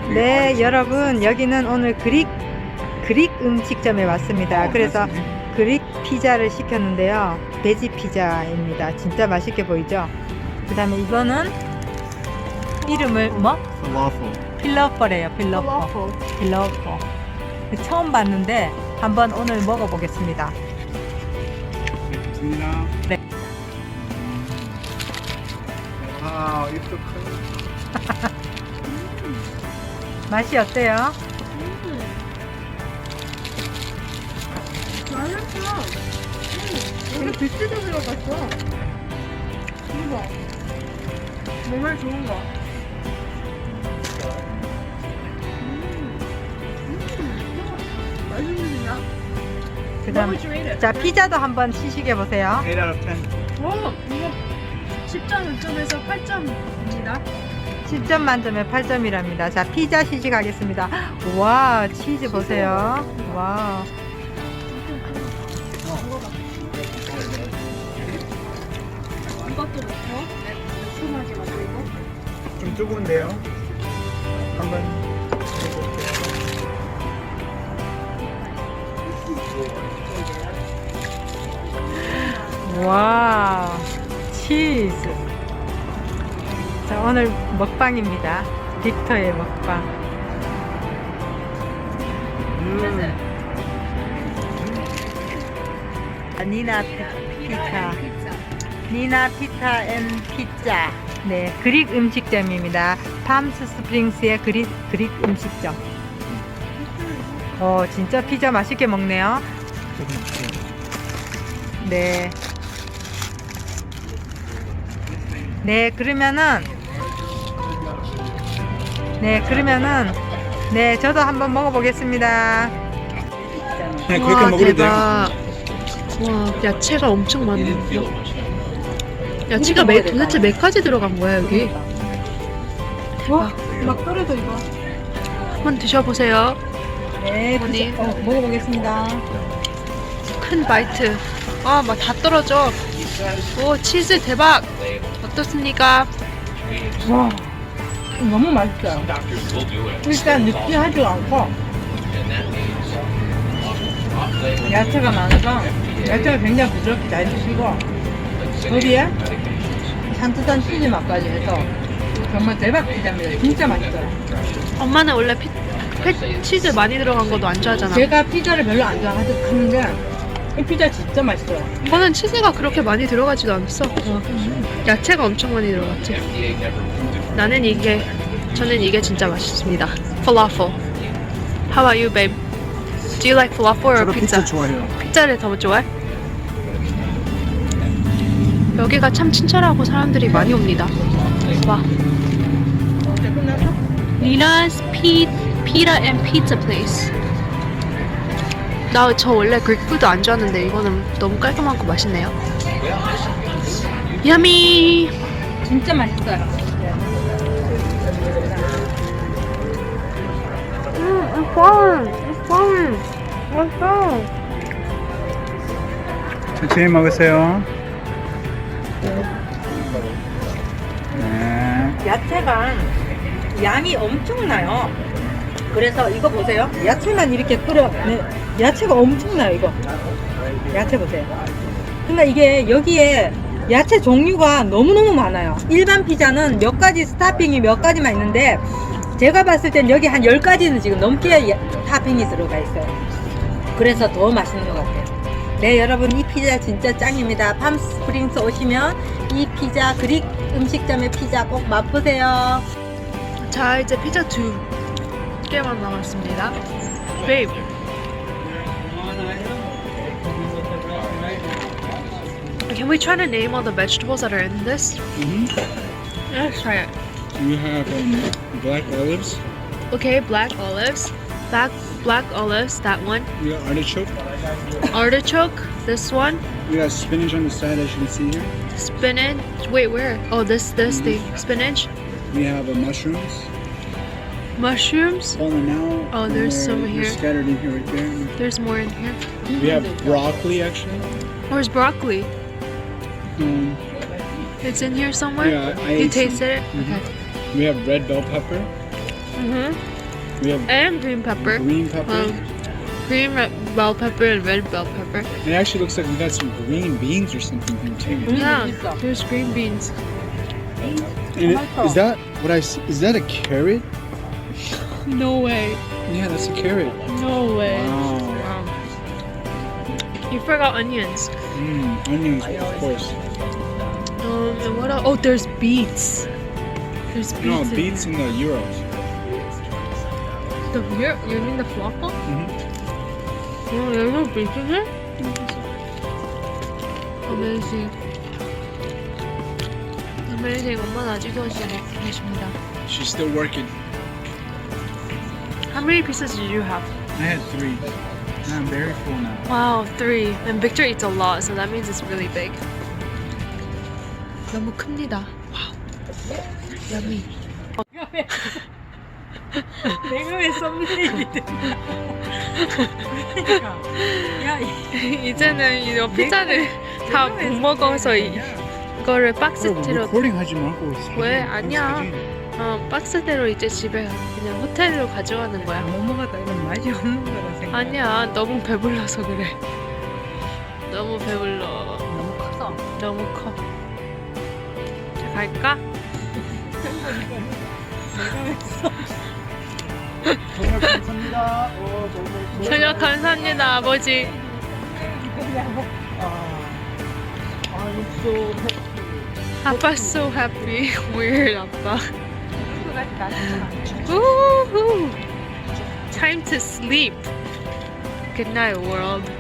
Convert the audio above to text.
네, 여러분 여기는 오늘 그릭 음식점에 왔습니다. 그래서 그릭 피자를 시켰는데요. 베지 피자입니다. 진짜 맛있게 보이죠? 그 다음에 이거는 이름을 뭐? 필러퍼래요. 필러퍼. 처음 봤는데 한번 오늘 먹어보겠습니다. 네. 아, 입도 커요. 맛이 어때요? 맛있어. 여기 비스도 들어갔어. 이거 몸에 좋은 거. 맛있는데요? 그 다음 자 피자도 한번 시식해 보세요. 8 out of 10. 오, 이거 10점 만점에서 8점입니다. 10점 만점에 8점이랍니다. 자 피자 시식하겠습니다. 와 치즈 보세요. 와. 이것도 넣고 매콤하게 만들고. 좀 뜨거운데요? 한번 와 치즈. 자 오늘 먹방입니다. 빅터의 먹방. 니나 피자. 니나 피타 앤 피자. 네, 그릭 음식점입니다. 팜스 스프링스의 그릭 음식점. 진짜 피자 맛있게 먹네요. 네. 네, 그러면은 네, 저도 한번 먹어보겠습니다. 네, 그렇게 먹어도 돼요. 와, 야채가 엄청 많네요. 야채가 도대체 몇 가지 들어간 거야 여기? 와, 막 떨어져 이거. 한번 드셔보세요. 네, 어머니. 먹어보겠습니다. 큰 바이트. 아, 막 다 떨어져. 오, 치즈 대박. 어떻습니까? 와, 너무 맛있어요. 일단 느끼하지도 않고 야채가 많아서 야채가 굉장히 부드럽게 잘 드시고 거기에 산뜻한 치즈 맛까지 해서 정말 대박 피자입니다. 진짜 맛있어요. 엄마는 원래 치즈 많이 들어간 거도 안 좋아하잖아. 제가 피자를 별로 안 좋아하는데 이 피자 진짜 맛있어요. 이거는 치즈가 그렇게 많이 들어가지도 않았어. 야채가 엄청 많이 들어갔지. 저는 이게 진짜 맛있습니다. Falafel. How about you, babe? Do you like falafel or 저도 pizza? 피자 좋아해요. 피자를 더 좋아해? 여기가 참 친절하고 사람들이 많이 옵니다. 와. Nina's Pita and Pizza Place. 저 원래 그릭푸드 안 좋아하는데 이거는 너무 깔끔하고 맛있네요. 야미. 진짜 맛있어요. 맛있어. 천천히 먹으세요. 네. 야채가 양이 엄청나요. 그래서 이거 보세요. 야채만 이렇게 뿌려. 네, 야채가 엄청나요. 이거 야채 보세요. 그러니까 이게 여기에 야채 종류가 너무너무 많아요. 일반 피자는 몇 가지 스타핑이 몇 가지만 있는데 제가 봤을 땐 여기 한 10가지는 지금 넘게 토핑이 들어가 있어요. 그래서 더 맛있는 것 같아요. 네, 여러분 이 피자 진짜 짱입니다. 팜스프링스 오시면 이 피자 그릭 음식점의 피자 꼭 맛보세요. 자, 이제 피자 2개만 남았습니다. Babe. Can we try to name all the vegetables that are in this? Let's try it. We have black olives. Okay, black olives. Black olives, that one. We got artichoke. Artichoke, this one. We got spinach on the side, as you can see here. Spinach. Wait, where? Oh, this thing. Spinach. We have mushrooms. Mushrooms. Falling now. Oh, there's some they're here. scattered in here, right there. There's more in here. We have broccoli, actually. Where's broccoli? Um, It's in here somewhere? Yeah, I You ate some. tasted it? Mhm. Okay. we have red bell pepper. Mm-hmm. We have and green pepper. green pepper. Green bell pepper and red bell pepper. It actually looks like we got some green beans or something here too. Yeah, there's green beans. And is that what I see? Is that a carrot? No way. Yeah, that's a carrot. No way. Wow. You forgot onions. Onions, of course. And what else? Oh, there's beets. There's beets. No, in beets here. in the euros. The here? You mean the falafel? Mm-hmm. Oh, there's no beets in here? Amazing. Amazing. 엄마는 아직도 진짜 먹고 계십니다. She's still working. How many pieces did you have? I had 3. And I'm very full now. Wow, 3. And Victor eats a lot, so that means it's really big. 너무 큽니다. Wow. Yummy. 내가 왜 썸네일이 돼? 그러니까 야 이제는 이 피자를 다 못 먹어서 이거를 박스대로 recording 하지 말고. 왜? 아니야. 박스대로 이제 집에 그냥 호텔로 가져가는 거야. 못 먹었다 이건 맛이 없는 거라 생각. 아니야, 너무 배불러서 그래. 너무 배불러. 너무 커서. 너무 커. 자, 갈까? 정말 감사합니다. 저녁 감사합니다, 아버지. 아빠 so happy. Weird, 아빠. Woohoo! Time to sleep. Good night, world.